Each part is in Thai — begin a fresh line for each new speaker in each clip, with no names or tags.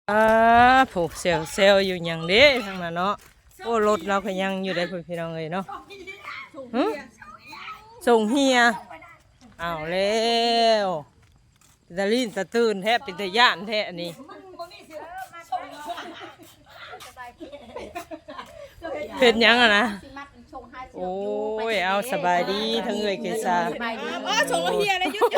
ผูกเซลอยู่อย่างเด้ทั้งนั้นเนาะโอ้รถเราก็ยังอยู่ได้เพื่อนพี่น้องเลยเนาะส่งเฮียเอาแล้วตะลินตะตื่นแทบเป็นตะย่านแท้อันนี้เป็นยังอะนะโอ้ยเอาสบายดีทั้งเอ่ยเกษา
ส่งเฮียนะยุด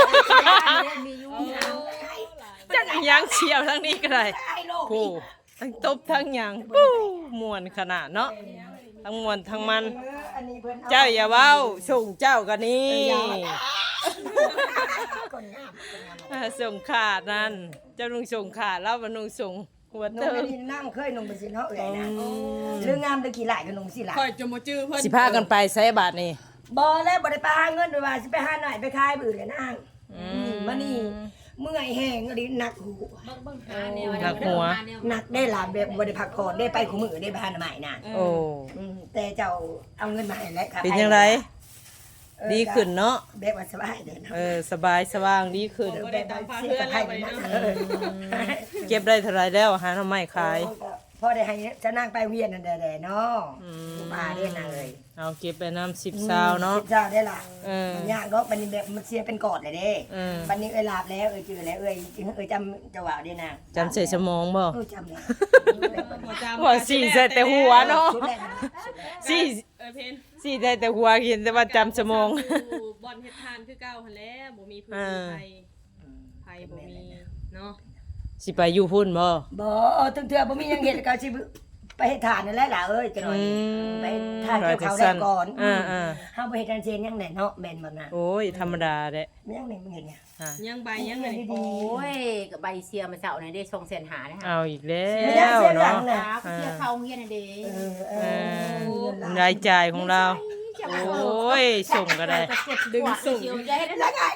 จังยังเชียวทั้งนี้ก็ได้โอ้ทั้งตบทั้งยังปู้มวนขนาดเนาะทั้งมวนทั้งมันเจ้าอย่าเว้าส่งเจ้ากันนี่ส่งขาดนั่นเจ้าลุงส่งขาดแล้วมันลุงส่งหัวเติม
นั่งเคยนงไปสิเนาะเอ้ยนะเรื่องงามตะกี้หลายก็นงสิหลาย
คอยจะมาจื้อเพิ่น
สิพากันไปใส่บาทนี่
บ่แล้วบ่ได้ไปหาเงินด้วยว่าสิไปหาหน่อยไปขายบื้อเลยนางมานี่เมื่อยแห้งอดีหนักหู
หนักหัว
หนักได้หลายแบบบ่ได้พักผ่อนได้ไปคู่มือได้ไปหาใหม่น่ะ
โอ้
แต่เจ้าเอาเงินมาให้แล้วค่ะ
เป็นยังไงดีขึ้นเนาะ
แบบว่าสบายเด้อ
สบายสว่างดีขึ้น
แบบเสียกับไผเนาะ
เก็บได้เท่าไรแล้วหาทำไมขาย
พอได้ให้จะนั่งไปเวียนนั่นแดๆเนาะมาเด้นางเอ้ย
เอาเก็บไปน้ำ10 ซาวเนาะ
10 ซาวได้ล่ะยากเนาะบัดนี้แบบมันเสียเป็นกอดเลยเด้บัดนี้เอ้ยลาบแล้วเจอแล้วเอ้ยจำจะว่าได้นะ
จำใส่สมองบ่
จำแล้ว
ว่าสี่ใส่แต่หัวเนาะสี่ได้แต่หัวกินแต่ว่าจำสมอง
บอลเฮ็ดทานคือเก่าหั่นแหละบ่มีพื้นไผบ่มีเนาะ
สิไปอยู่พุ่นบ่
ถึงเถื่อบ่มีหยังเฮ็ดก็สิไปเฮ็ดทานนั่นแหละล่ะเอ้ยจังหน่อยไปทานเกี่ยวข้าวได้ก่อนเฮาบ่เฮ็ดทานเชนยังแหน่เนาะแม่นบ่น่ะ
โอ้ยธรรมดาแหละ
ยังแหน่มึงเห็นเนี่ย
ยังใบยังไง
โอ้ยก็ใบเสียมาเจ้านี่ได้200,000นะคะ
เอาอีกแล้วเนาะ
เสียเข้าเฮียนเด้
รายจ่ายของเราโอ้ยส่งก็ได้
ดึงส่ง
แล้วไง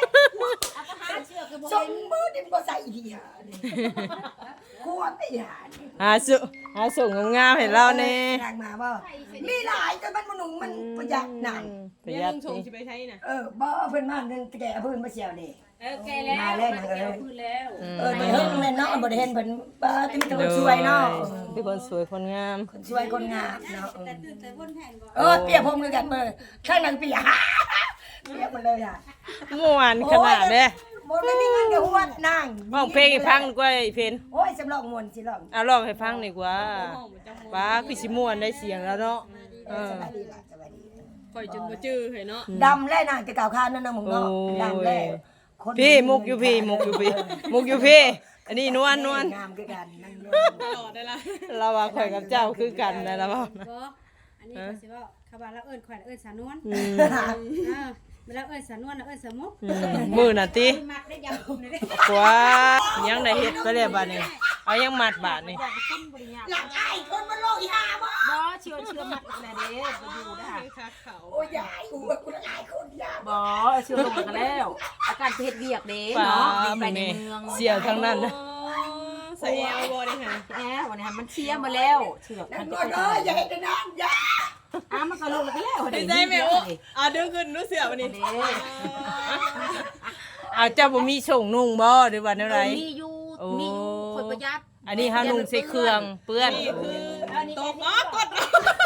ส่งมือดิบ่ใส่อีหาขวดอีหา
หาส่งงามๆให้เราแน่
ทางมาบ่มีหลายแต่มันบ่หนุ่มมันประหยัดนั่น
ประหยัด
ส่งสิไปใช้น่ะ
บ่เพิ่นมานึงแกเอาเพิ่นมาเสียวนี่
แกแล้ว
มาแล้วนางเอ้ยแต่เฮิงแม่นเนาะบ่ได้เห็นเพิ่นบ่มีแต่คนสวยเนาะ
เป็นคนสวยคนงาม
คนสวยคนงามเนาะแต่ตื่นแต่บนแผ่นบ่เปียกผมคือกันเบิ่ข้างนางเปียกเปียกหมดเลยอ่ะ
ม่วนขนาดเด้
บ่ได้มีเงินกับหัวนาง
ร้องเพลงให้ฟังดีกว่าไอ้เพน
โอ้ยสำรองม่วนสิร้อง
ร้องให้ฟังดีกว่าป้าคือสิม่วนได้เสียงแล้วเนาะ
สบายดีล่ะสบายดี
คอยจนบ่จื้อให้เนาะ
ดำแล้วนางจะกล่าวค้านนั่นน่ะมึงเนาะดำแล้ว
พี่มุกอยู่พี่อันนี้นวล
งามคือกันนั่ง
ตลอดได้ล่ะ
เราว่าข่อยกับเจ้าคือกันนะแล้วบ่
อันนี้ก็สิว่าคำว่าเราเอิ้นข่อยเอิ้นสานวนเวลาเอิ้นสานวนเอิ้นสมุก
มื้อน่ะติ
มักได้ยำคุมได้
ว้ายังได้เฮ็ดไปแล้วบัดนี้เอายังมัดบาดนี่
หลังไอ้คนมันโลกอีห่าบ่
เชื่อมัดอีกแล้วเด้บ่อยู่เด้อ
โอ้ยยายกูละหลายคนยา
บ่เชื่อลงกันแล้วอาการเฮ็ดเวียกเด้เนาะไปในเมือง
เสียทั้งนั้น
ใส่เอาบ่ได้ค่ะ
วันนี้มันเชียมาแล้วเชือก
มันก็อย่าเฮ็ดนานอย่า
มันก็ลงแล้ว
ได้ใจแม่โอ้ดึงขึ้นรู้เสือวันนี้
เจ้าบ่มีส่งนุ่งบ่หรือว่าแนวใด
มีอยู่คนประหยัด
อันนี้เฮานุ่งใส่เครื่องเปื้อน
ตกกด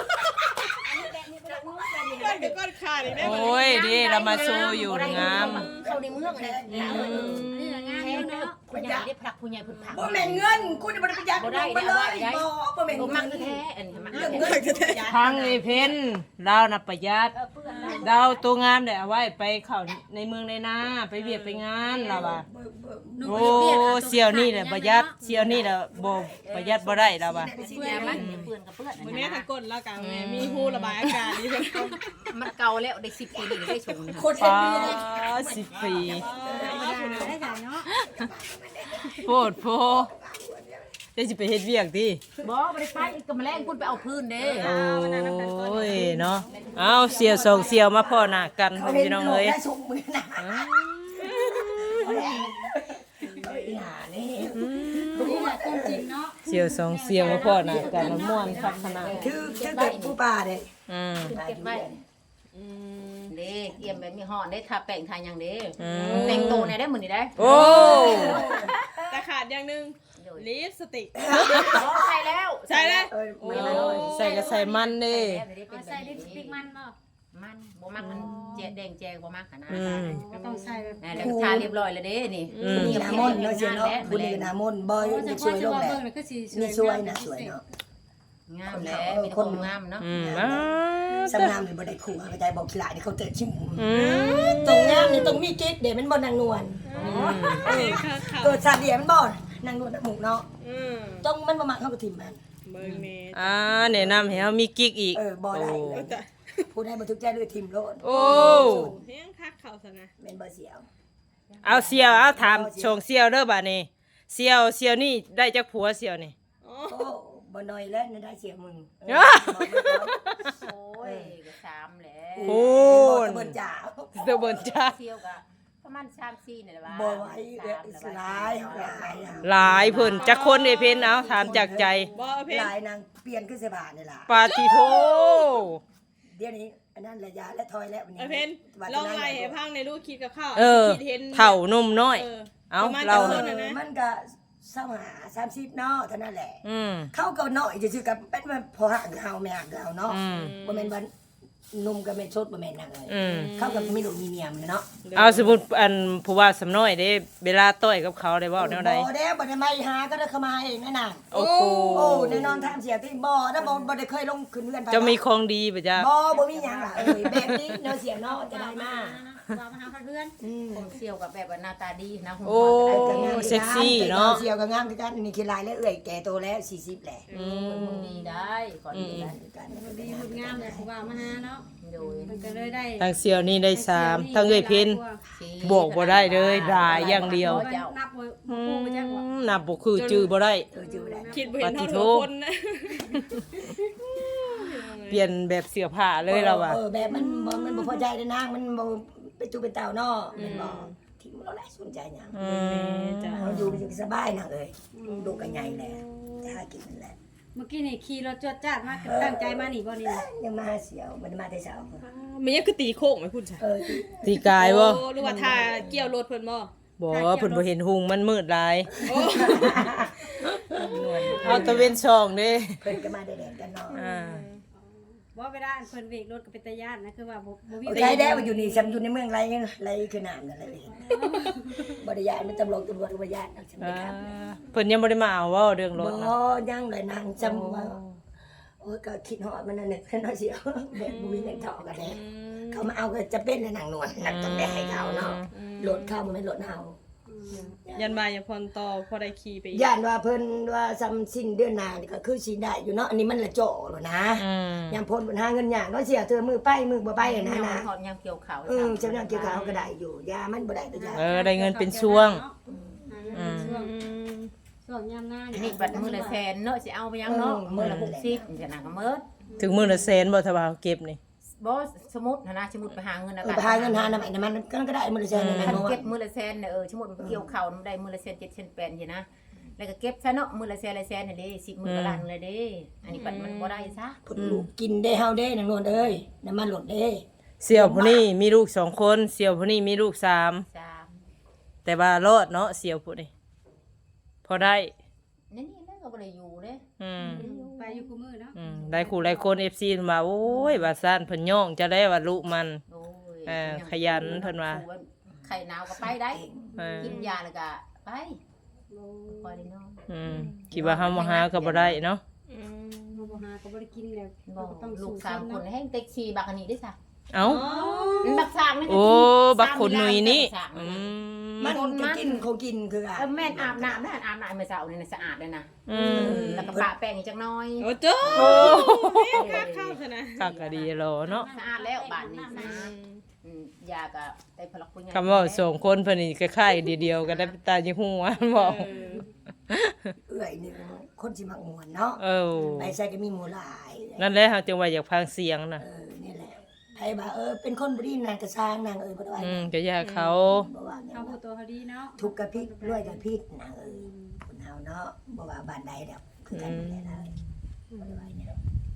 ก้อนขาดอีกได้
โอ้ยดิเรามาโชว์อยู่งาม
เข้าในเมืองอันนี้งามเนาะผู้ใหญ่ได้ผักผู้ใหญ่ผุดผัก
บ่แม่นเงินคุณบ่ได้ประหยัดบ่ได้บ่แม่น
มักแท้อันนี้
เรื่องเงิน
ทางนี่เพิ่นเราน่ะประหยัดเราตัวงามได้เอาไว้ไปเข้าในเมืองในนาไปเวียกไปงานเราว่าโอ้เสี่ยวนี่แหละประหยัดเสี่ยวนี่แหละบ่ประหยัดบ่ได้เราว่า
เปื้อนกับเปื้อน
มื้อนี้ถ้ากดแล้วกันมีฮู้ระบายอากาศดีเพิ่น
มันเก่าแล้วได้10 ปีได้ชง
คนเฮ็ดดีเลย
10 ปี
ได้จ้ะเนาะ
โพจะสิไปเฮ็ดเวียกติ
บ่ได้ไปก็มาแลงพุ่นไปเอาพื้นเด้
โอ้ยเนาะเอาเสี่ยว2เสี่ยวมาพ้อหน้ากันพี่น้องเอ้ยเสี่ยว2เสี่ยวมาพ้อหน้ากันม่วนคักขนาด
คือเกิดผู้ป่าเด้
เก็บไว้เด้เอี่ยมแบบมีห่อได้ทาแป้งทาหยังเด้แต่งโตเนี่ยได้มื้อนี้ได้
โอ้
แต่ขาดอย่างนึง
ย
ลิปสติก
ใส่แล้ว
ใช่เลย
โอ้ย
ใส่ก็ใส่มันเด้
เอาใส่ลิปสติกมันบ่
มันบ่มักมันแจแดงแจงบ่มักนะ
ก็ต้องใส่แบบ
แล้วทาเรียบร้อยแล้วเด้นี่
นี่น้ำมนต์เนาะเสียเนาะผู้นี้น้ำมนต์บ่
โอ้
จะ
จะ
ช่วยลงแหละ
เบิ่งแล้วก็สิ
นี่ช่วยนะช่วยเนาะ
งามแล้วมีคนงามเนาะ
สำงามนี่บ่ได้ขู่เข้าใจบอกขี้หลายนี่เขาเตะชิมตรงงามนี่ตรงมีกิ๊กเดี๋ยวมันบ่นางนวลตัวซาเดียมันบ่นางนวลหมูเนาะต้องมันบ่มักเฮาก็ทิ่มมัน
เบิ่งแม่
แนะนำให้เฮามีกิ๊กอีก
บ่ได้ผู้ใดบ่ถูกใจเลยทิ่มโลด
โอ้
เฮียงคักเขาซะนะ
แม่นบ่เสียว
เอาเสี่ยวเอาถามชงเสี่ยวเด้อบัดนี้เสี่ยวนี่ได้จักผัวเสี่ยวนี่
โอ้
โอ้บ่น้อยแล้วได้เสียมึง
โอ้ยก็3แล้ว
โอ้
เบิ่นจ๋า
เด้อเบิ่นจ้า
เที่ยวก็ประมาณ3-4นี่แหละว่า
บ่ไหวหลาย
หลายเพิ่นจักคนเอ้เพิ่นเอาถามจากใจ
บ่เอาเพลง
หลายนางเปลี่ยนคือเสื้อผ้านี่ล่ะ
ปาติโท
เดี๋ยวนี้อันนั้นระยะและถอยแล้ววันนี้
เอาเพลงลองไล่ให้พังในรูปคิดกับข้าวคิดเห็น
เฒ่านมน้อย เอาเรา
มันก็30เนาะเท่านั้นแหละ
เข้า
เขาก็น้อยซื่อๆกับเป็นพอหักเฮาแม่หักเฮาเนาะบ่แม่นว่านุ่มก็แม่นสดบ่แม่นนั่นเลยเขาก็มีลูกมีเมียมันเนาะ
เอาสมมุติอันผู้ว่าสำน้อยเด้เวลาต้อยกับเขาได้เว้าแนวใด
บ่ได้บ่ได้มาหาก็ได้เข้ามาเองนั่นน่ะ
โอ้โห
โอ้แน่นอนทางเสียที่บ่นะบ่ได้เคยลงขึ้นเรือนไป
จะมีของดีป่ะจ๊ะ
บ่มีหยังล่ะแบบนี้เนาะเสียเนาะจะได้มา
ว่ามาหาเพื่อน
ผมเที่ยวกับแบบว่าหน้าตาดีนะ
โอ้เซ็กซี่เนาะ
เสียวก็งามคือกันนี่คือลายแล้วเอื้อยแก่โตแล้ว40แหละ
คนดีได้ก่อนดีได้
ดีหุ่นงามเลยผู้ว่ามาหาเนาะ
โดย
มันก็เลยได้
ทางเสี่ยวนี่ได้3ทางเอ้ยเพิ่นบวกบ่ได้เลยรายอย่างเดียว
นับบ่ฮู้บ่จักว่า
นับบ่คือจื้อบ่ได้
จื้อได้
คิดบ่เห็นเท่าทุกคนนะ
เปลี่ยนแบบเสื้อผ้าเลยเราอ่ะ
แบบมันบ่พอใจได้นางมันบ่เป็นตู้เป็นเต่าเนาะแม่นบ่ที่เราแหละสนใจหยังเฮาอยู่สบายนางเอ้ยลูกก็ใหญ่แล้วจะหากินนั่นแหละ
เมื่อกี้นี่ขี่รถจวดจ้าดมากตั้งใจมานี่บ่นี่นะ
ยังมาเสียวมันมาแต่เช้า
มันยังคือตีโค้งไหมคุณจ้ะ
ตีกายบ่
หรือว่าทาเกี่ยวรถเพิ่นบ่
บ่เพิ่นบ่เห็นหุงมันมืดหลายเอาตะเวนช่องเด้
เพิ่นก็มาได้แดงกันเนาะ
บ่เวลาอันเพิ่นเวกรถก็เป็นตาย่านนะคือว่าบ่มี
ใช่แล้วอยู่นี่ซ้ำอยู่ในเมืองไรคือน้ำนั่นแหละบ่ได้ย้ายมันตำรวจก็บ่ย้ายฉันไปครับ
เพิ่นยังบ่ได้มาเอาเว้าเรื่องร
บ่
ถนะ
ยังเลยนางจำว่าโอ้ยก็คิดฮอดมันนั่นแหละเพิ่นเสียวแบบบ่มีเงินทองกันแท้เขามาเอาก็จะเป็นนางนวลนักต้องได้ให้เขาเนาะรถเข้าบ่แม่นรถเฮา
ยันบายอย่าพรต่อพอได้ขี่ไปอีก
ย่านว่าเพิ่นว่าซ้ำสิ้นเดือนหน้านี่ก็คือสิได้อยู่เนาะอันนี้มันละโจแล้วนะยามพ้นปัญหาเงินยากเนาะเสียเธอมือไปมือบ่ไปนะนะ
ถอดยางเกี่ยวเขา
เจ้าหน้าเกี่ยวกับเขาก็ได้อยู่ยามันบ่ได้ตัวยา
ได้เงินเป็นช่วง
ช่วงยามหน้า
นี่บัดมือละแสนเนาะสิเอาไปยังเนาะมือละ60จะน่ะก็เมิด
ถึงมื้อละแสนบ่ถ้าว่าเก็บนี่
บ่สมมุตินะสมมุติไปหาเงิน
ไปหาเงินหาน้ำมันก็ได้มื้อละแสนแม่นบ่
เก็บมือละแสนเนี่ยสมมุติเกี่ยวเขาได้มือละแสน7 8 สินะแล้วก็เก็บซะเนาะมือละแสนนี่เด้10 มื้อละล้านเลยเด้อันนี้บัดมันบ่ได้ซะ
พุ่นลูกกินได้เฮาเด้นางนวลเอ้ยน้ำมันลดเด้
เสี่ยวผู้นี้มีลูก2คนเสี่ยวผู้นี้มีลูก3แต่ว่ารอดเนาะเสี่ยวผู้นี้พอได้
นี่แล้วก็บ่ได้อยู่เด้
ไปอยู่คู่มือเนาะ
ได้คู่หลายคน FC มาโอ้ยว่าซ่านเพิ่นย่องจะได้ว่าลูกมัน
โอ้ย
ขยันเพิ่นว่า
ไข่หนาวก็ไปได้กินยาแล้วก็ไปพอได้เนาะ
คิดว่าเฮาบ่หาก็บ่ได้เนาะ
บ่หาก็บ่ได้กินแล้ว
บ่ลูก3คนให้เต็กซี่บักอันนี้ได้ซะ
เอ้า
บักสร้างนี่
โอ้บักคนหนุ่ยนี่
มันจะกินเขากินคืออ่ะ
แม่นอาบน้ำนะอาบน้ำเมื่อเช้านี่สะอาดเลยนะแล้วก็ปะแป้งอีกจักน้อย
โอ้โจ้คักเข้าซะนะ
คักก็ดีแล้วเนาะ
สะอาดแล้วบ้านนี้สะอาดยาก็ได้พลักปุญญา
คำว่าสองคนเพิ่นนี่คล้ายๆเดียวๆกันได้ตาจิฮู้ว่าบอก
เอื้อยนี่คนสิมักม่วนเนาะไปใส่ก็มีหมู่หลาย
นั่นแหละเฮาจึงว่าอยากฟังเสียงน่ะ
นี่แหละไผว่าเป็นคนบ่ดีนางก็สร้างนางบ่ได้ว่า
ก็อยากเขา
บ่ว่าหยั
เอา
ง
ผู้ตัวเขาดีเนาะ
ทุกข์กับพิษรวยกับพิษนางคนเฮาเนาะบ่ว่าบ้านใดดอกคือกันนั่นแหละบ่ได้ว่าหยัง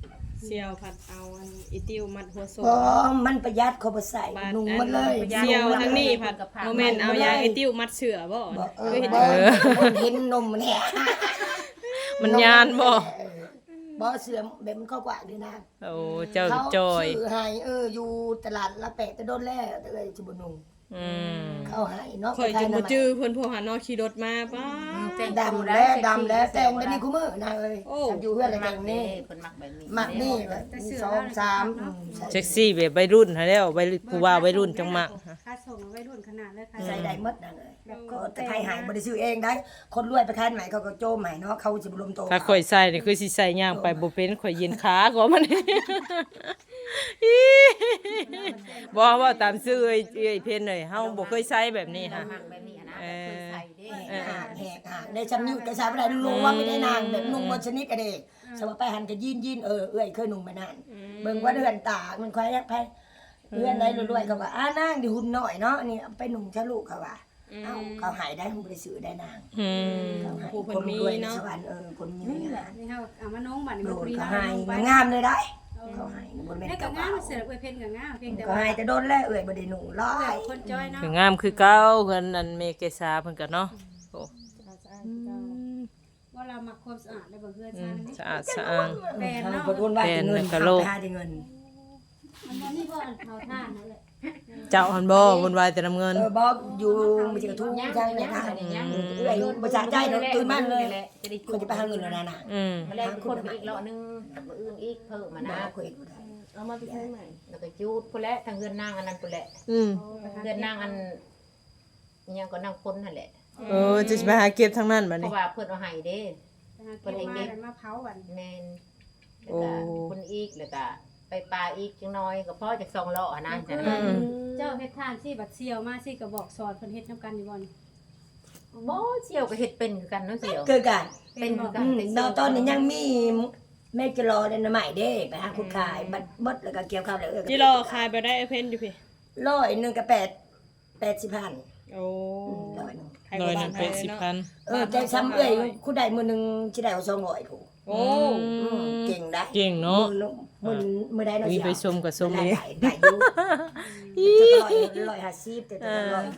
เสี่ยวผัดเอาอันอีติ้วมัดหัวโซ
บ่มันประหยัดเขาบ่ใส่นุ่งมันเลย
เสี่ยวทั้งนี้ผัดโมเมนต์เอายางอีติ้วมัดเสือบ่
บ่
คือเห็น
เห็นนมมันแหะ
มันยานบ่
บ่เสื่อมแบบมันเข้ากว่าดีนะ
โอ้เจ้าจอย
เขาซื้อให้อยู่ตลาดละแปะแต่โดนแล้วแต่เลยสิบ่นุ่ง
อืม
เขาให้เนาะ
ข่อยจะบ่จื้อเพิ่นพวกหานอขี่รถมาป้า
ดำแล้วแต่งได้นี่คู่มือนะเอ้ย
โอ้
อยู่เพื่อนอะไรแต่งนี่
เพิ่นมักแบบนี้
มักนี่แบบ2 3
เซ็กซี่แบบวัยรุ่นหาแล้ววัยผู้ว่าวัยรุ่นจังมัก
ค่าส่งไว้รุ่นขนาดเลยค่ะ
ใส่ได้หมดนั่นเลยแบบก็แต่ใครหายบ่ได้ซื้อเองได้ คนรวยไปขายใหม่เขาก็โจมใหม่เนาะเขาสิบ่ลมโต
ถ้าข่อยใส่นี่คือสิใส่ย่างไปบ่เป็นข่อยเย็นขาก็มัน บ่ว่าตามชื่อเอ้ยเพิ่นเลยเฮาบ่เคยใส่แบบนี้ฮะ
มักแบบนี้นะเคยใส่เด้
แหกได้ชำนิ้วก็ใช้บ่ได้นุ่งว่าไม่ได้นางแบบนุ่งบ่ชนิดก็ได้สมมุติไปหันก็ยีนเอ้ยเคยนุ่งมานานเบิ่งว่าเดือนตามันควายยักไผเดือนใดรวยๆเขาว่าอ้านางดิหุ่นน้อยเนาะนี่ไปนุ่งชะลูกเขาว่าเอ้าเขาหายได้บ่ได้ซื้อได้นาง
อืม
เขาให้
ผู้เพิ่
คน น
มี
รวยใน
เนาะ
สวรรค์คนมีงาน
นี่เฮาเอามาน้องบัดนี้
โด
มัน
น
ปรี
เขา
น้า
ให้
ลงไป
งามเลยได้เขาให้บ่แม่น
แล้วก็
เก่าง
ามเสืออวยเพิ่นก็งามเพียงแต่
ก็
ว่า
ให้แต่โดนแล้วบ่ได้นุ่งร้อย
คนจ้อยเนาะ
คืองามคือเก่าเพิ่นอันเมเกษาเพิ่นก็เนาะโอ้
ว่าเรามักความสะอาดได้บ่เฮือน
อื
ซ่าน
ม
นี่
สะอาดสะอ้าง
แปลนเนาะ
บ่โดนว่าเงิน
แปลนแล้วก็โลก
หาได้เงิน
มันบ่มีบ่อันเผาท่านนั่นแหละ
เจ้าหันบ่วุ่นวายแต่น้ำเงิน
บอกอยู่ไม่ใช่กระทุ่งจังเลยนะเอ้ยบ่จ่ายใจตื่นมาเลย
จะได้
คนจะไปหาเงินแล้วนะน่ะ
อืม
มาแลกคนไปอีกเลาะนึงมื้ออื่นอีกเพิ่มมา
นะ
นะ
คุยบ่ได้
เอามาไปใช้ใหม่
แล้วก็จูดพุ่นแหละทางเฮือนนางอันนั้นพุ่นแหละ
อืม
เฮือนนางอันอิหยังก็นางคนนั่นแหละ
จะไปหาเก็บทางนั้นบัด
เพ
นี้
ราะว่าเพิ่นเอาให้เด้
เพิ่นเองมาเผาบัด
แม่นแล้วก็คนอีกแล้วก็ไปปลาอีกจังน้อยก็พอจาก2เลาะนะจังนั้น
เจ้าเฮ็ดทานสิบัดเสียวมาสิก็บอกสอนเพิ่นเฮ็ดนํกันอยู่บ่นี่
บ่เสี่ยวก็เฮ็ดเป็นคือกันเนาะเสี่ยว
เกิดกัน
เป็นคือกัน
ตอนนี้ยังมีแม่จะรอในใหม่เด้ไปหาคุณขายบัดบดแล้วก็เกี่ยวข้าวแล้ว
จิรอคายไปได้เพิ่นอยู่พี่
100กับ80,000
โอ้
100
ใคร
โด
ก็
ย
บ้า
นั้น
นไท
เป็
ย
น
เนาะ
10,000
แต่ซ้ำเอ้ยคุณได้มื้อนึงสิได้เอา200ผู้
โอ้
เก่งได้
เก่งเนาะ
มื้อใดเนาะ
มีไปชมกับชม
ได้
เอง
ได้อยู่150แต่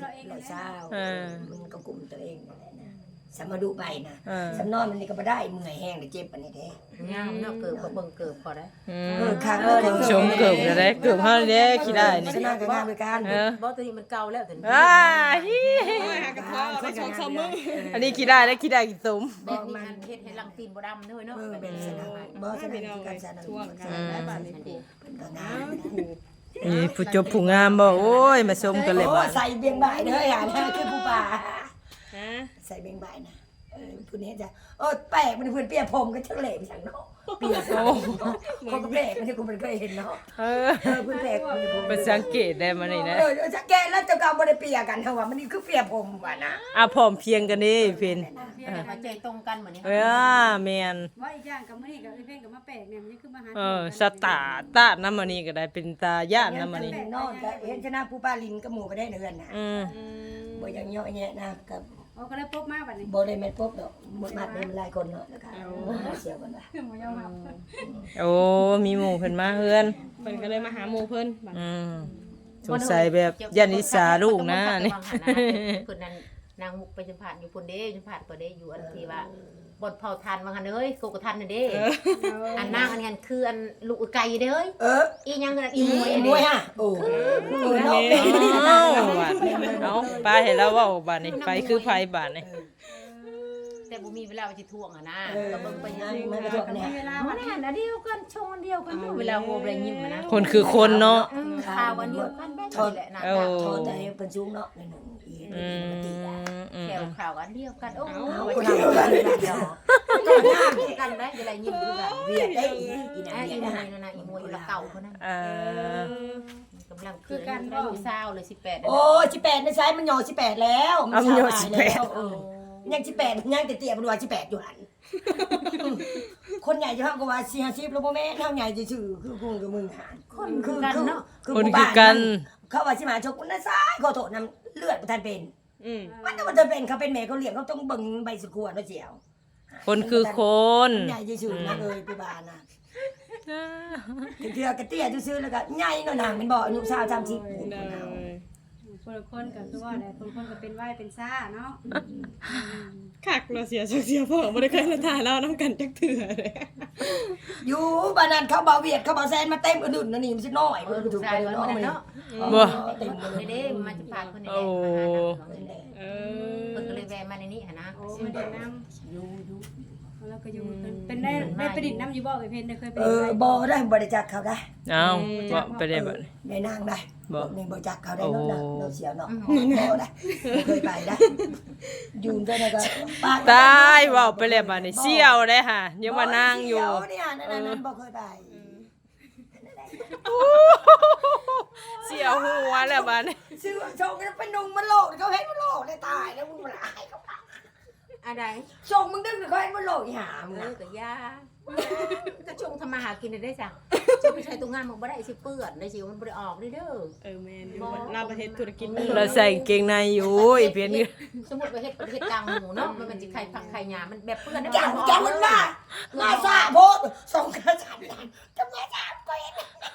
100มันก็กลุ่มตัวเองนั่นแหละนะสมาดูไปนะสำนอนมันนี่ก็บ่ได้เมื่อยแห้งได้เจ็บปานนี้เด้
งามเนาะเกิดก็เบิ่งเกิดพอได้
ข้าง
ชมเกือบจะได้เกือบเฮาเด้ขี้ได้นี่
ชนะก็งามด้วยกัน
บ่ตัวนี้มันเก่าแล้วถึง
อ้าฮิ
โอ้ยหากระเพาะไปสองสามมื้อ
อันนี้ขี้ได้แล้วขี้ได้กี่สม
บ่มันเฮ็ดให้ลังตีนบ่ดำเด้อเนาะ
เป็นชนะบ่ชนะ
พี่น้อง
กั
เล
น
ย
ชนะ
ช่วงกันได้บาดนี้
เป็นก็งาม
นี่ผู้จบผู้งามบ่โอ้ยมาชมกันเลย
โอ้
บ่
ใส่เบียงบ่ายเด้อหาคือผู้ป่า
ฮะ
ใส่เบียงบ่ายนะผู้นี้จะแปลกมันเพิ่นเปียผมก็จังเหล่ไปสั่งเนาะเปียโอ้เขาก็แปลกมันที่กูมันเคยเห็นเนาะ
เออ
เพิ่นแปลกมันผม
ไปสังเกตได้มานี่นะ
จะแกแล้วจะกาบ่ได้เปียกันเฮาว่ามันนี่คือเปียผมว่านะ
อ่ะพร้อมเพรียงกันนี่เพิ่น
มาใจตรงกันเหมือนนี้
แม่น
ว่าอีกอย่างกับมื้อนี้กับเพิ่นก็มาแปลกเนี่ยมันยังคือมาหา
สตาร์ตาน้ำมันนี่ก็ได้เป็นตาย่านน้ำมันนี่
นอนก็เห็นชนะผู้ป้าลินกับหมู่ก็ได้เดือนน่ะ
อืม
บ่อยังเยาะแยะนะกับ
โอ้ก็เลยพบมาบัดนี้
บ่ได้แม่นพบดอกหมดมาเป็นหลายคนเนาะแล้วก็เสียกันว่า
บ่ยอมรับ
โอ้มีหมู่เพิ่นมาเฮือน
เพิ่นก็เลยมาหาหมู่เพิ่นบัด
สงสัยแบบยันนิสาลูกนะนี่
เพิ่นนั้นนางมุกไปสัมภาษณ์อยู่พุ่นเด้สัมภาษณ์ก็ได้อยู่อันที่ว่าบ่เผาทานมาหั่นเอ้ยโกกทันน่ะเด้อันนางอันนั้นคืออันลูกไก่เด้ออีหยังนั่นอีมวย
มวยฮะโอ้เนาะ
เอาบาดเอาไปให้แล้วเว้าบาดนี้ไปคือไผบาดนี้
แต่บ่มีเวลาไปสิท่วงอ่ะนะก็เบิ่งไปยัง
มันก็ทั่วเนี่ย
เวลา
มันหันอันเดียวกันชงอันเดียวกันเวลาโหอะไรยิ้มนะ
คนคือคนเนาะ
ข่าวอันเดียวกันแบบนี้แหละนะ
ทอแต่เป็นสูงเนาะในหนึ่งอีมันตีได้
แถวข่าวอันเดียวกันโอ้
คนเดียวกันเดียว
กันได้เวลายิ้มคือแบบ
เวียดได้อีน่ะ
อี
เวียด
ม
ได้
วยนั่นน่ะอีมวยละเก่าคนนั้น กำลังคือกันได้อยู่เศร้าเลย18
โอ้18ในไซส์มันหย่อ18แล้วยัง18ยังเตี้ยๆมันว่า18อยู่หั่นคนใหญ่จะเฮาก็ว่า40แล้วบ่แม่เฮาใหญ่ซื่อคือกูกับมึงหาน
คนคือกันเนาะ
คนคือกัน
เขาว่าสิมาชกนะซ้ายขอโทษนำเลือดบ่ทันเป็น มันจะเป็นเขาเป็นแม่เขาเลี้ยงเขาต้องเบิ่งใบสุขวดว่าเจียว
คนคือคน
ใหญ่ซื่อๆนะเอ้ยพี่บานะเทื่อกระเตี้ยซื่อๆแล้วก็ใหญ่เนาะนางเป็นบ่อายุ20 30
เด้อ
คนละคนก็คือว่าแหละคนก็เป็นไหวเป็นซ่าเนาะ
คักเราเสียพ่อบ่ได้เคยมาถ่ายเรานํกันจักเทื่อเลย
อยู่บ้านนั้นเขาบ่าวเวียดเขาบ่าวแซนมาเต็มอื่นๆนั่นนี่มันสิน้อย
เออลูก
ถูก
ชาย
ไป
มัน
เนาะ
นั่น
มัน
เนาะ
บ่
เต็มเลย
เด้มาจะพาคนนี้
โอ้
เออ
เพิ่นก็เลยแวะมาในนี้หั่นนะ
โอ้มาเดินน้
อยู่
ำแล้วก็อยู่เป็นได้ไปดินน้ำอยู่บ่เคยได้เคยไป
บ่ได้บ่ได้จักเขาได้
เอาบ่ไปได้บ่
ได้นางได้
บ่
นี่บ่จักเขาได้เนาะเราเสียวเนาะบ่ได้เคยไปได้อยู่เท่านั้นก็ปาก
ตายเว้าไปแล้วบัดนี้เสี่ยวได้ค่ะยังมานั่งอยู่
เนี่ยนั่นบ่เคยไป
เสี่ยวหัวแล้วบัดนี้
ชื่อชงกันเป็นนุ่งมันโลกเขาเห็นมันโลกได้ตายแล้วมึงมันอายเขา
อะไร
ชงมึงดึงเขาเห็นมันโลกอีหามึง
เอ
นะ
อก็ยาก็ชงทำมาหากินได้จ้ะชงไปใช้ตัวงานมันบ่ได้สิเปื้อนได้สิมันบ่ได้ออกเด้อ
แม่นอยู่เราประเทศธุรกิจ
เราใส่กางเกงในอยู่อีเพียนนี่
สมมุติไปเฮ็ดประเทศกลางหมู่เนาะมันสิไข่ผักไข่หญ้ามันแบบเปื้อนได้
จังมันมาซาโพดส่งกระสันจะมาซาก็เห็น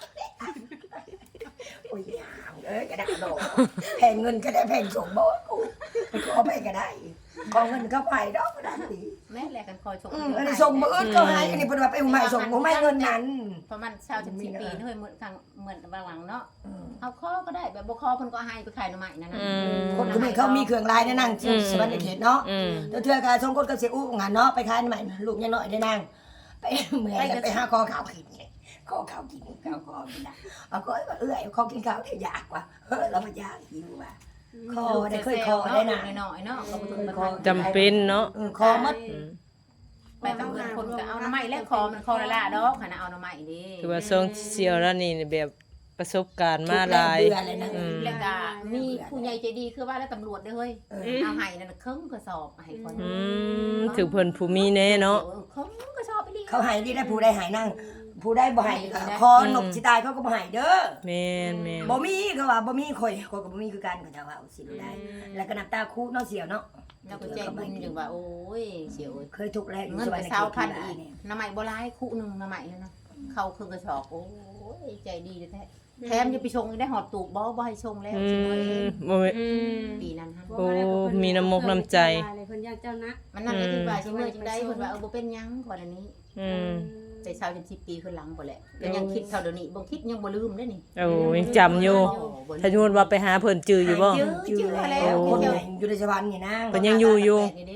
โอ้ยหามกระดาษโดแพงเงินก็ได้แพงส่งบ่กูขอไปก็ได้ขอเงินเข้าไปดอกก็ได้ดี
แม่แลกันคอยชง
อันนี้ส่งมืออื่นก็ให้อันนี้เป็นว่าไปใหม่ส่งบ่ไม่เงินนั้น
เพราะมัน20-10ปีเฮ้ยเหมือนทางเหมือนบางหลังเนาะเอาคอก็ได้แบบบ่คอเพิ่นก็ให้ไปขายหน่อไม้นั่นน่ะ
คนคนนี้เขามีเครื่องลายในนั่งสวรรค์เขตเนาะเทื่อกาส่งคนกับเสียอู้งานเนาะไปขายใหม่ลูกยังน้อยได้นั่งไปเมื่อยไปหาคอขาวกินคอขาวกินข้าวคอกินนะเอาก็เอื้อยคอกินข้าวได้ยากกว่าเราไม่ยากหิวว่ะคอได้เคยคอได้นะ
น้อยๆเนาะก็บ่ถึงมัน
จำเป็นเนาะ
คอมัด
ไปบางคนก็เอาหน่อไม้และคอมันคอละละดอกหั่นน่ะเอาหน่อไม้ดิ
คือว่าทรงเสี่ยวแล้วนี่แบบประสบการณ์มาหลาย
แล้วก็มีผู้ใหญ่ใจดีคือว่าแล้วตำรวจเด้อเฮ้ยเอาให้นั่นครึ่งกระสอบให้คน
ถือเพิ่นผู้มีแน่เนาะ
ครึ่งกระสอบไปดิ
เขาหายดีได้ผู้ได้หายนั่งผู้ได้บ่หายคอหนกสิตายเขาก็บ่หายเด้อ
แม่นแม่น
บ่มีเขาว่าบ่มีข่อยก็บ่มีคือกันเขาจะว่าสิได้แล้วก็น้ำตาคูเนาะเสียวเนาะ
แล้วก็ใจบุญจังว่าโอ้ยเสียว
เคยทุกข์แล้วอยู่
เงิน
ส
ไป
วรรค์
เช้าพัน
เขต
อีกหน่อไม้บ่หลายคู่นึงหน่อไม้เลยนะเข้าครึ่งกระสอบโอ้ยใจดีแท้แถมยังไปชงได้หอดตูบบ่ให้ชงแล้วสิมื้อเอง
บ่แม่น
ปีนั้นฮะ
โอ้มีน้ำมกน้ำใจ
เพิ่นอยากเจ้านัก
มันนั่นก็คือว่าสิมื้อจังได๋เพิ่นว่าบ่เป็นหยังก่อนอันนี้
อืม
แต่เช้าจน10ปีขึ้นหลังบ่แหละก็ยังคิดเท่าเดี๋ยวนี้บ่คิดยังบ่ลืมเด้นี่
โอ้ยังจำอยู่ถ้าสมมุติว่าไปหาเพิ่นจื้ออยู่บ่
ชื่อแล้วคนใหญ่อยู่ในสวรรค์นี่นะ
เพิ่นยังอยู่อยู่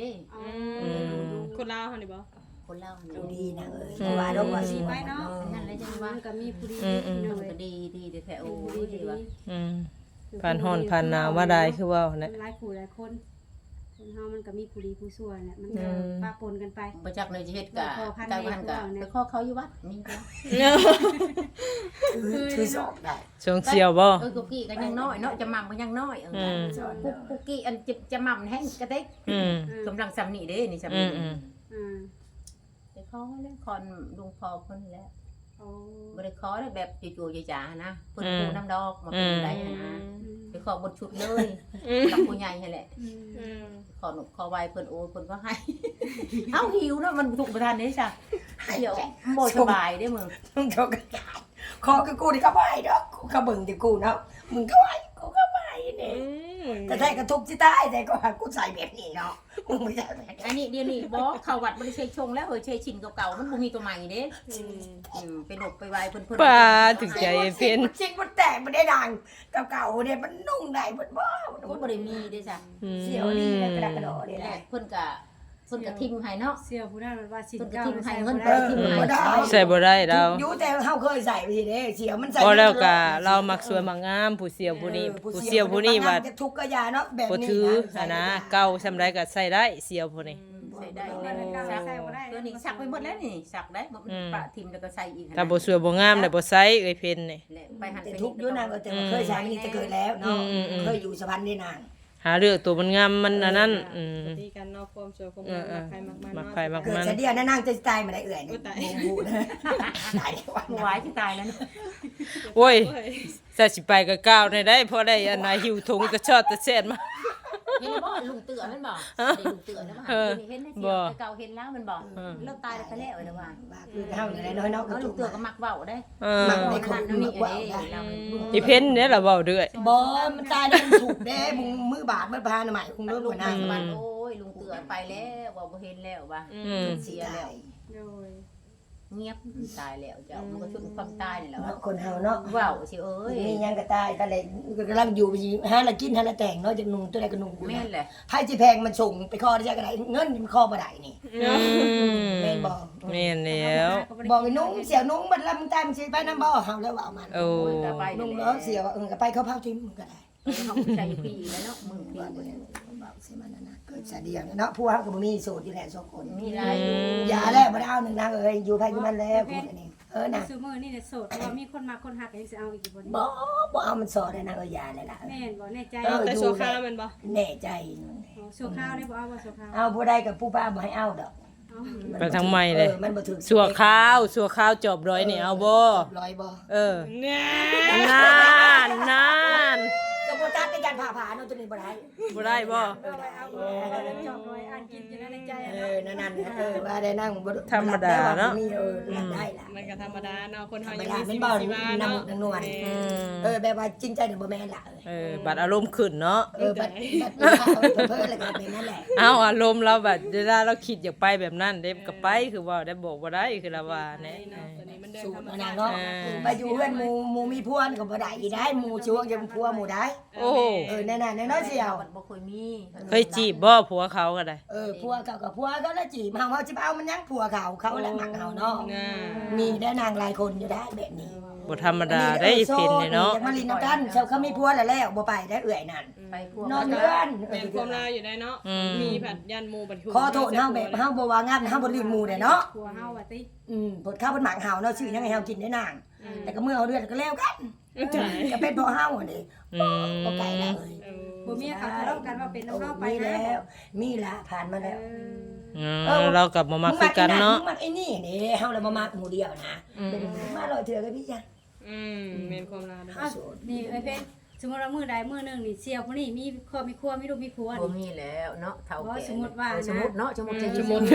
คนลาวเฮานี่บ่
คนเล่า
ดูดีนะแต่ว่าดอกว่าสิ
ไปเนาะ
นั่นเลยจังว่า
มันก็มีผู้ดี
มันก็ดีแท้โอ้ยดีว่า
อืมผ่านร้อนผ่านหนาวมาได้คือว่า
มั
นะ
นหลายผู้หลายคนคนเฮามันก็มีผู้ดีผู้ชั่วแหละมันก็ปะปนกันไป
บ่จักเลยสิเฮ็ดกะกะมันกะไปขอเขาอยู่วัดนี่ก็
คือสอบได้
ช่วงเสี่ยวบ่
กุกกี้ก็ยังน้อยเนาะจะหม่ำก็ยังน้อยกุกกี้อันจะหม่ำแห้งกระเต็ก
อืม
กำลังซ้ำนี่เด้นี่ซ้ำ
อื
นี่
มอืม
ไปขอแล้วคอนลุงพอเพิ่นแล้ว
โอ้
บ่ได้ขอได้แบบจู่ๆจ๋าๆนะเพิ่นปูน้ำดอกมาเป็นได้นะไปขอบนชุดเลยกับผู้ใหญ่นั่นแหละ ขอหนุกขอไวเพิ่นโอ้เพิ่นก็ให้ เอ้าหิวเนาะมันถูกประทานได้จ้ะเดี๋ยวบ่สบายได้มึง
มึงเขาก็ขอคือกูนี่ก็ไม่ดอกกูก็เบิ่งที่กูเนาะมึงก็ไม่กูก็ไม่เนี่ยแต่แท้ก็ทุกข์ที่ใต้แต่ก็หากูใส่แบบนี้เนาะมึงไม่ใช่แบบ
อันนี้เดี๋ยวนี้บ่เข้าวัดบ่ได้ใช้ชงแล้วใช้ชินเก่าๆมันบ่มีตัวใหม่เด้ไปหนกไปไวเพิ่น
ป้าถึงใจเพิ่น
จริงมันแตกมันได้ดังเก่าๆเนี่ยมันนุ่งได้มันบ่
มันบ่ได้มีเด้จ้ะ
เสียวนี่กระดากระโดดนี่แห
แร
ละ
กเพิ่นก็ทิมให้เนาะ
เสี่ยวผู้นั้นมันว่าสิน
เพิ่นก็
เก้า
ทิมให้เงิน
เออบ่ได้
ใส่บ่ได้เรา
อยู่แต่เฮาเคยใส่ไปทีเด้เสียวมันใส่
พอแล้วก็เรามักสวยมักงามผู้เสี่ยวผู้นี้ผู้เสี่ยวผู้นี้ว่า
ทุกข์ก็ยาเนาะแบบ
บ่
นี้
ถือนะเก่าซำใดก็ใส่ได้เสี่ยวผู้นี้
ใส่ได้ตัวนี้สักไปหมดแล้วนี่สักได้มันปะทิมแล้วก็ใส่อีก
ถ้าบ่สวยบ่งามแล้วบ่ใส่เอ้ยเพิ่นนี่
ไปหัน
แต่
ไป
ทุกข์อยู่นางก็แต่เคยใช้นี่จะเกิดแล้วเนาะเคยอยู่สะพานนี่นาง
หาเรื่องตัวมันงามมันอันนั้น
ตีกันเนาะความสวยความงามใครมักมัน
มักใครมัก
เกิด
มัน
จะเดียวนั่งจะตายมาได้เอื่อยนี่บูนะตายวัน
หวายที่ตายแล้ว
โอ้ยใส่สิไปก็ก้าวได้พอได้อันน่ะหิวถุงตะชอดตะแซ่ดมา
เห็นบ่ลุงเตือมันบ่ได้ลุงเตือนะว่าเห็นในเสียเก่าเห็นแล้วมันบ่เลิกตายแล้วก็แล้วนะว่า
คือเฮานี่แหละน้อยเนาะ
เอาลุงเตือก็มักเว้าได้
มักในคนมักว่า
อีเพิ่นเนี่ยล่ะเว้าเด้อย
บ่มันตายแล้วมันถูกแด้มึงมือบาดมันพาหน่อยคงเริ่ม
ลุ
หั
ง
วหน้า
มันโอ้ยลุงเตือไปแล้วว่าบ่เห็นแล้วว่าเสียแล้ว
โดย
เงียบตายแล้วเจ้ามันก็ชุดความตายนี่แหละ
เนาะคนเฮาเนาะ
ว้าวสิเอ้ย
มีหยังก็ตายก็เลยกำลังอยู่ไปหาละกินหาละแต่งเนาะจากนุ่งตัวใดก็นุ่งกู
แม่นแหละ
ไผสิแพงมันส่งไปคอได้จักก็ได้เงินมันคอบ่ได้นี่แม่นบ่
แม่นแล้ว
บอกไอ้นุ่งเสียวนุ่งบัดละมึงตายมึงสิไปนำบ่เฮาแล้วว่ามัน
โอ้
ก็ไป
นุ่ง
แล้
เนาะเสียวก็ไปเขาเผาทิ้งมึงก็ได้
เขาใช้ปีแล้วเนาะมึงปี
ว่าบ่ได้บ่สิมันนั่นน่ะเกิดซะเดียวเนาะผู้เฮาก็บ่มีโสดอยู่แหละ2คน
มีหลายอยู่
อย่าแล้วบ่ได้เอาหนึ่งนางเอ้ยอยู่ไผอยู่มันแล้วกูนี่นะ
ซุมื้อนี่เนี่ยโสดเพราะว่ามีคนมาคนหักก็ยังสิเอาอีกบ่นี่
บ่เอามันสอนได้นางเอ้ยอย่าเลยล่ะ
แม่นบ่แน่ใจ
แต่ชั่วคราวมันบ่
แน่ใจ
โชว์ข้าวได้บ่เอาบ่โชว์ข้าว
เอาผู้ใดกับผู้ป้าบ่ให้เอาดอก
ไปทางใหม่เลย
มันบ่ถึก
สัวข้าวจอบร้อยนี่เอาบ่
ร้อยบ่
เออ
เนี่ย
นาน
ก็บ่ตัดในการผ่าเนาะตัวนี้บ่ได้
บ่ได้บ่
เอาไว้เอาแล้วจอบรอยอ่านกินอยู่ในใจอะ
นั่นว่าได้นั่งบ่
ธรรมดาเนาะ
มีได้ล่ะ
มันก็ธรรมดาเนาะคนเฮา
เว
ยัง
ลา
มี
มัน
ชี
บ่
วิตชีวาเนาะ
นวลแบบว่าจริงใจเนี่ยบ่แม่นล่ะ
บัดอารมณ์ขึ้นเนาะ
บัดเพิ่นแล้วก็เป็นนั่นแหละ
เอาอารมณ์เราแบบเวลาเราคิดอยากไปแบบนั้นเด้ก็ไปคือว่าได้บอกบ่ได้คือละว่าแน่
ตัวนี้มันเดิน
สู
ธร
ต
ร
ร
ม
อัน
ชา
นั้น
ติ
เนาะไปอยู่เฮือนหมู่มีผัวก็บ่ได้อีได้หมู่ช่วงจะผัวหมู่ได้
โอ้
แน่ๆแน่เนาะเสี่ยว
บ่เคยมี
เคยจีบบ่ผัวเขาก็ได้
ผัวเก่ากับผัวก็ละจีบเฮาสิเอามันยังผัวเขาแหละมักเฮาเนาะ
น่ะ
มีได้นางหลายคนอยู่ได้แบบนี้
บ่ธรรมดาได้อีเพิ่นนี่เนาะ
จากมาลินน้ำกันเขามีผัวแล้วบ่ไปได้เอื่อยนั่น
ไปพวก
นอนเรือน
แม่นความลาวอยู่ได้เนาะมีผัดยันหมู่บัด
ขอโทษเฮาแบบเฮาบ่ว่างามเฮาบ่ลืมหมู่ได้เนาะ
ผัวเฮาว่าติ
ผดข้าวบนหมากเฮาเนาะชื่อยังไงเฮากินได้นางแต่ก็เมื่อเฮาเดือนก็แล้วกันก็เป็นเพราะเฮาอันนี้บ่ไกลแล้วเอ้ย
ผัวเมียเขาทะเลาะกันว่าเป็นน้องเฮาไป
มี
นะ
แล้วมีละผ่านมาแล้ว
เรากลับมาคือกันเนาะ
มึงมักไอ้นี่นี่เฮาเลยบ่มักหมู่เดียวนะมาลอยเถื่อกับพี่จ้ะ
แม่นความลาวเนาะ
นี่ไอ้เพชรสมมุติว่ามื้อใดมื้อนึงนี่เสี่ยวผู้นี้มีครอบมีครัวมีลูกมีผัว
บ่
นี่
มีแล้วเนาะเฒ่าแก่
สมมุติว่า
สมมุติเนาะสมมุติ
สมมุติ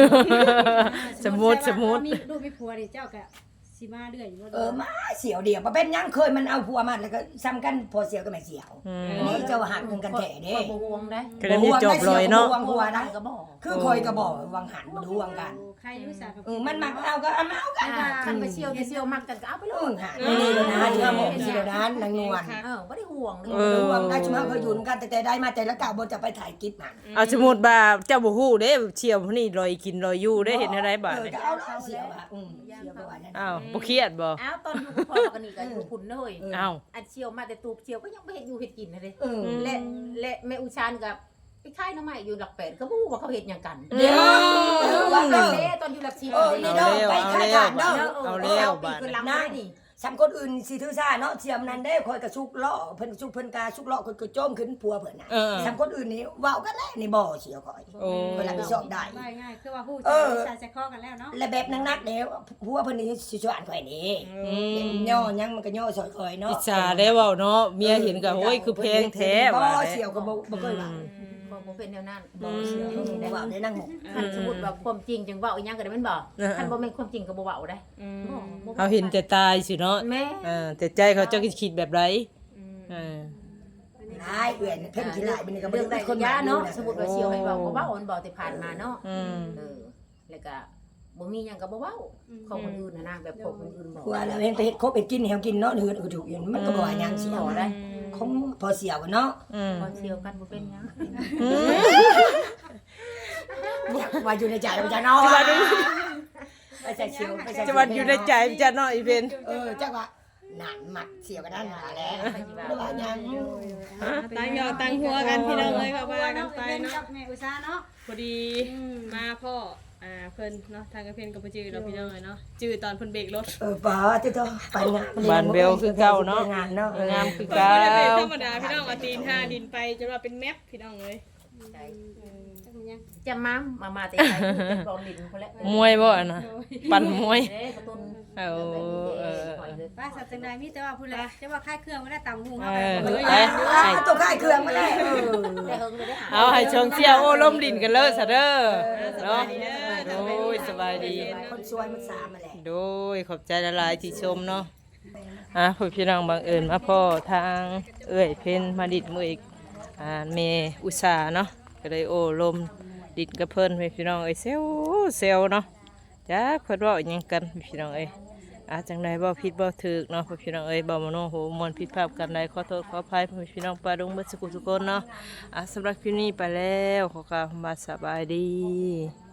มีลูกมีผัวนี่เจ้าก็สิมาเรื่อยอยู่บ่
มาเสียวเดียวบ่เป็นหยังเคยมันเอาผัวมาแล้วก็ซ้ำกันพอเสียวกับแม่เสียวนี่เจ้าหักกันแท้เด้
บ่ห่วงได้
ก็ได้มีจบเลยเนาะ
วงหัวนะ
ก็บ่
คือคอยก็บอกวังหันบ่รู้วังกัน
ใครอยู่สากับ
มันมักเอาก็เอามาเอากัน
คันไปเที่ยวเที่ยวมักกันก็เอาไปโลด
หานี่เลยนะที่ว่าหมอกที่เดียวนั้นนางนวล
บ่ได้ห่วงเด้
รู้วังได้ชุมเฮาเคยอยู่กันแต่ได้มาแต่ละกะบ่จะไปถ่ายคลิปมัน
เอาสมมุติว่าเจ้าบ่ฮู้เด้เชี่ยวนี่ลอยกินลอยอยู่ได้เห็นอะไรบาดนี่
ก็เอาเสียวอ่ะเสียวบ่ว่านั่น
อ้าวบ่เครียดบ่
อ้าวตอนอยู่กับพ่อกันนี่ก็อยู่คุณเด้ย
อ้าว
อันเชียวมาแต่ตูบเชียวก็ยังไม่เห็นอยู่เห็ดกินนะเด้และแม่อุชานกับไปค่ายน้ำใหม่อยู่หลักแปดก็บ่ฮู้ว่าเขาเฮ็ดหยังกัน
เดี๋ยวว่า
เด้
เด้อ
ตอนอยู่หลัก10
นี่เด้อไปค่ายทหารเด้อ
เอาแล้วบาด
คือ
นี่
ลำได้นี่
สำคนอื่นสิถือซ่าเนาะเสียมนั้นได้คอยกระชุกล้อเพิ่นชุกเพิ่นกาชุกล้อคนก็โจมขึ้นผัวเพิ่นน่ะสำคนอื่นนี่เว้ากันแล้วนี่บ่เสียวคอย
โอ้
เวลาไปสอบได้
ง่ายๆคือว่าฮู้ใจคอกันแล้วเนาะ
และแบบนักๆเด้อผัวเพิ่นนี่สิชวนข่อยนี่ย่อยังมันก็ย่อซอยข่อยเนาะ
อิจฉาได้เว้าเนาะเมียเห็นก็โอ้ยคือแพงแท้
บ่
ว่า
เสียวก็บ่เคยว่า
บ่เป็นแนวนั้น
บ่เสียวได้ว่าได้นั่งหมก
คันสมมุติว่าความจริงจังเว้าอีหยังก็ได้มันบ่คันบ่แม่นความจริงก็บ่เว้าได้
เขาเห็นแต่ตายสิเนาะ
แม่
แต่ใจเขาเจ้าคิดแบบไร
หลายเอื้อนเพิ่นขี้หลายมันก็บ่
เรื่องใด
ได้
ค
คน น
ยา
มา
เนาะ
เนาะ
สมมุติว่าเชียวให้เว้าก็เว้าอันบ่แต่ผ่านมาเนาะ
อืม
แล้วก็บ่มีหยังก็บ่เว้าของคนอื่นน่ะนะแบบของคนอื่นบ่
ผัวแล้วเห็นไปเฮ็ดคบเฮ็ดกินให้เฮากินเนาะหือก็ถูกอยู่มันก็บ่ว่าหยังเสียวได้คงพอเสียวเนาะ
พอเชียวกันบ่เป็นหยัง
ว่าอยู่ในใจมันจะเนาะไปใส่เสียวไปใส่
จะวันอยู่ในใจจะเนาะอีเป็น
จักว่านั่นมักเสียวกันนั่นมาแล้วบ่ว่าหยัง
ตั้งยอตั้งหัวกันพี่น้องเลยค่ะว่ากันไป
เป็น
เนาะ
กับแม่อุตสาเนาะ
พอดีมาพ่อเพิ่นเนาะทางกระเพนกับจือเราพี่น้องเลยเนาะจือตอนเพิ่นเบรกรถ
บ่ติโตไปงาน
บ้านเบลคือเก่าเนาะ
งานเนาะ
งามคือ
ก็
เก่า
บ่ได้เป็นธรรมดาพี่น้องเอาตีนท่าดินไปจนว่าเป็นแมปพี่น้องเลย
จะมาแต่ไทยเป็นกองดินพุ่นแหละ
มวยบ่อะนะปั่นมวย
เด้กระตุ้น
เอา
หอยเลย
ป้าสัตว์จังใดมีแต่ว่าพูดเลยแต่ว่าค่ายเครื่องไม่ได้ต่ำหุง
เอ
เฮา
อ
ไป
ไป
ตัวค่ายเครื่องมาได้
ได้เฮิงเลยได้หา
เอาให้ชงเชี่ยวโอ้ล้มดินกันเลยซะเด้อเนาะโอ้ยสบายดี
คนสวยมันสามมาแหละ
โดยขอบใจละลายที่ชมเนาะพี่น้องบังเอิญมาพ่อทางเอ้ยเพิ่นมาดิดมืออีกเมอุตสาเนาะก็เลยโอ้ลมดิดกับเพิ่นพี่น้องเอ้ยเซลเนาะจ้าเพิ่นเว้าอิหยังกันพี่น้องเอ้ยจังใดบ่ผิดบ่ถูกเนาะพี่น้องเอ้ยบ่มโนโหมวนผิดพลาดกันใดขอโทษขออภัยพี่น้องปาดงเบิดสุขสุขคนเนาะสำหรับคลิปนี้ไปแล้วขอกล่าวคำว่าสบายดี